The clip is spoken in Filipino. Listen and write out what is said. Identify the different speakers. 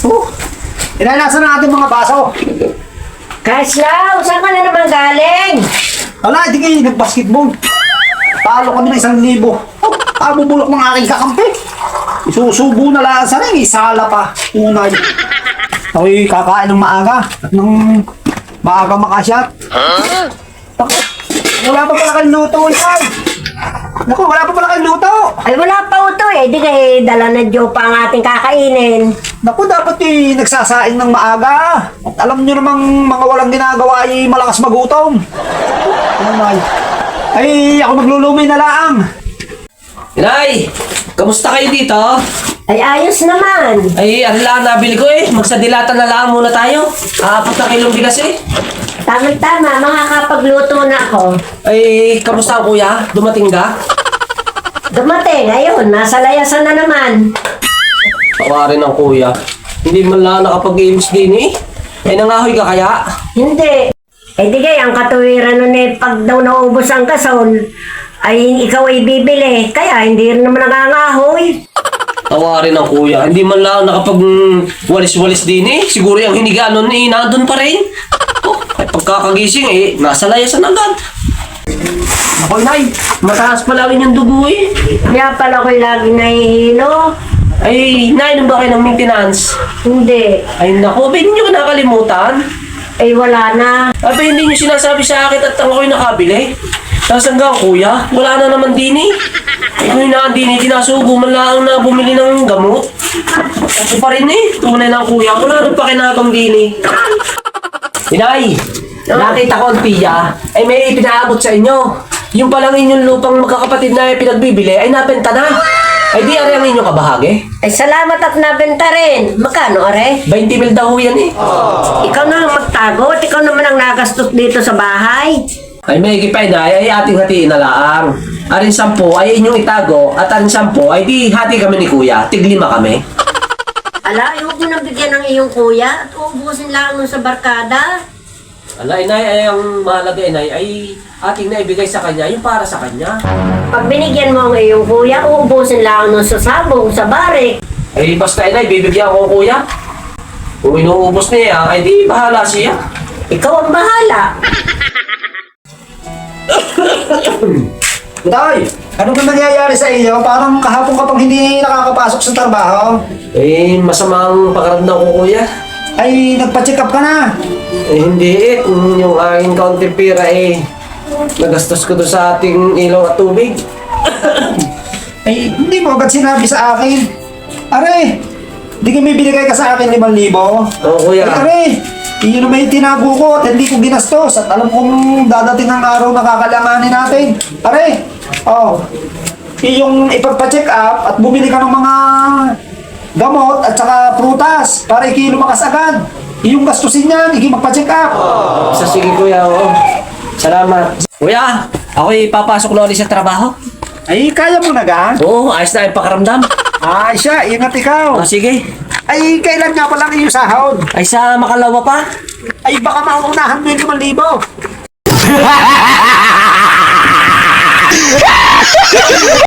Speaker 1: Inanasan na ating mga baso.
Speaker 2: Kaslaw, saan ka na naman galing?
Speaker 1: Wala, hindi kayo nag-basketball. Talo kami ng 1,000. Bubulok ng aking kakampi. Isusubo na lang sa ring, isala pa. Unay. Ako'y kakain ng maaga. At nang maaga makasyat. Ako, wala pa pala kayong luto, yan. Naku, wala pa pala kayong luto.
Speaker 2: Ay, wala pa ito eh. Di kayo dala na Jopa ang ating kakainin.
Speaker 1: Naku, dapat nagsasaing ng maaga. At alam nyo namang mga walang ginagawa ay malakas magutom. Unay. Ay, ako maglulumay na lang.
Speaker 3: Inay, kamusta kayo dito?
Speaker 2: Ay, ayos naman.
Speaker 3: Ay, ano lang nabili ko eh. Magsadilata na lang muna tayo. 4 na kilong bigas eh.
Speaker 2: Tama-tama, makakapagluto na ako.
Speaker 3: Ay, kamusta ang kuya? Dumating ka?
Speaker 2: Dumating, ayun, nasa layasan na naman.
Speaker 3: Tawarin ng kuya. Hindi man lang nakapag-games din eh. Ay, nangahoy ka kaya?
Speaker 2: Hindi. Eh di kaya, ang katuwiran nun eh, pag daw naubos ang kasol, ay ikaw ay bibili. Kaya hindi rin naman nangangahoy.
Speaker 3: Tawarin ng kuya. Hindi man lang nakapag-walis-walis din eh. Siguro yung hiniga nun eh, nandun pa rin. Oh, ay pagkakagising eh, nasa layasan agad. Ako, Inay, mataas pa lang yung dugo eh.
Speaker 2: Kaya pala ko'y lagi nahihilo.
Speaker 3: Ay, nainom ba kayo ng maintenance?
Speaker 2: Hindi.
Speaker 3: Ay, naku, ba hindi nyo nakalimutan?
Speaker 2: Ay wala na.
Speaker 3: Abi, hindi nyo sinasabi sa akin at ako yung nakabili. Nasaan ka, kuya? Wala na naman din eh. Ikaw yung nakandini, tinasubo man lang na bumili ng gamot. Ako pa rin eh, tunay ng kuya. Wala rin pa kinabang din eh. Inay, nakita ko ang tiya, ay may ipinaabot sa inyo. Yung palang inyong lupang magkakapatid na pinagbibili ay nabenta na. Ay di ari ang inyong kabahagi.
Speaker 2: Ay salamat at nabenta rin. Magkano, are?
Speaker 3: 20 mil daw yan eh.
Speaker 2: Ikaw na lang magtago at ikaw naman ang nagastos dito sa bahay.
Speaker 3: Ay may ikipay na ay ating hatiin na lang. Arin 10 ay inyong itago at arin 10 ay di hati kami ni kuya. Tig 5 kami.
Speaker 2: Ala, huwag mo nang bigyan ng iyong kuya at uubusin lang nun sa barkada.
Speaker 3: Ala, inay, ay ang mahalaga inay ay ating naibigay sa kanya yung para sa kanya.
Speaker 2: Pag binigyan mo ang iyong kuya, uubusin lang nun sa sabong, sa barik.
Speaker 3: Ay basta inay, bibigyan ko kuya. Kung inuubos niya, ay di bahala siya.
Speaker 2: Ikaw ang bahala.
Speaker 1: Tay, ano ba nangyayari sa iyo? Parang kahapon ka pang hindi nakakapasok sa trabaho.
Speaker 3: Eh, masamang pakaramdam ko kuya.
Speaker 1: Ay, nagpa-check up ka na.
Speaker 3: Eh, hindi eh. Kung yung aking kaunting pera eh, nagastos ko doon sa ating ilaw at tubig.
Speaker 1: Ay, hindi mo agad sinabi sa akin. Are, di ka may binigay ka sa akin 5,000.
Speaker 3: Oo kuya.
Speaker 1: Ay, are, iyon naman yung tinago ko at hindi ko ginastos. At alam kong dadating ang araw na kakalanganin natin. Are, oh, yung ipagpa-check up at bumili ka ng mga gamot at saka prutas para ikilumakas agad. Iyong gastusin niyan, magpa-check up.
Speaker 3: Sa sige kuya, oo. Salamat. Kuya, ako papasok na ulit sa trabaho.
Speaker 1: Ay, kaya mo na ga?
Speaker 3: Oo, ayos na yung pakaramdam.
Speaker 1: Ay, siya, ingat ikaw.
Speaker 3: Sige.
Speaker 1: Ay, kailan nga pa lang iyong sahod?
Speaker 3: Ay sa makalawa pa.
Speaker 1: Ay, baka mauunahan mo yung 5,000.